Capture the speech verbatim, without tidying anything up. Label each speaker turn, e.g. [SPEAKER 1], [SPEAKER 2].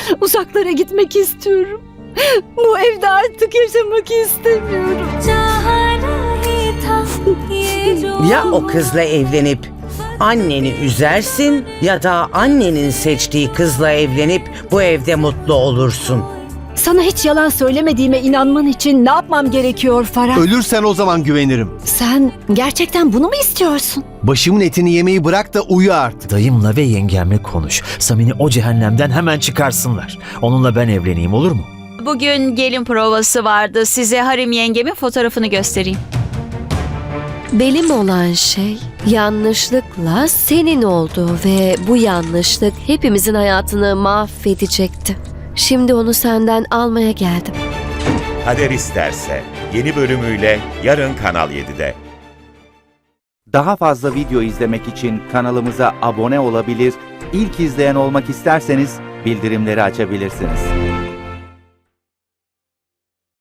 [SPEAKER 1] Uzaklara gitmek istiyorum. Bu evde artık yaşamak istemiyorum.
[SPEAKER 2] Ya o kızla evlenip anneni üzersin ya da annenin seçtiği kızla evlenip bu evde mutlu olursun.
[SPEAKER 1] Sana hiç yalan söylemediğime inanman için ne yapmam gerekiyor Farah?
[SPEAKER 3] Ölürsen o zaman güvenirim.
[SPEAKER 1] Sen gerçekten bunu mu istiyorsun?
[SPEAKER 3] Başımın etini yemeyi bırak da uyu artık.
[SPEAKER 4] Dayımla ve yengemle konuş. Samin'i o cehennemden hemen çıkarsınlar. Onunla ben evleneyim, olur mu?
[SPEAKER 5] Bugün gelin provası vardı. Size Harim yengemin fotoğrafını göstereyim.
[SPEAKER 6] Benim olan şey yanlışlıkla senin oldu ve bu yanlışlık hepimizin hayatını mahvedecekti. Şimdi onu senden almaya geldim.
[SPEAKER 7] Kader isterse yeni bölümüyle yarın Kanal yedide.
[SPEAKER 8] Daha fazla video izlemek için kanalımıza abone olabilir, ilk izleyen olmak isterseniz bildirimleri açabilirsiniz.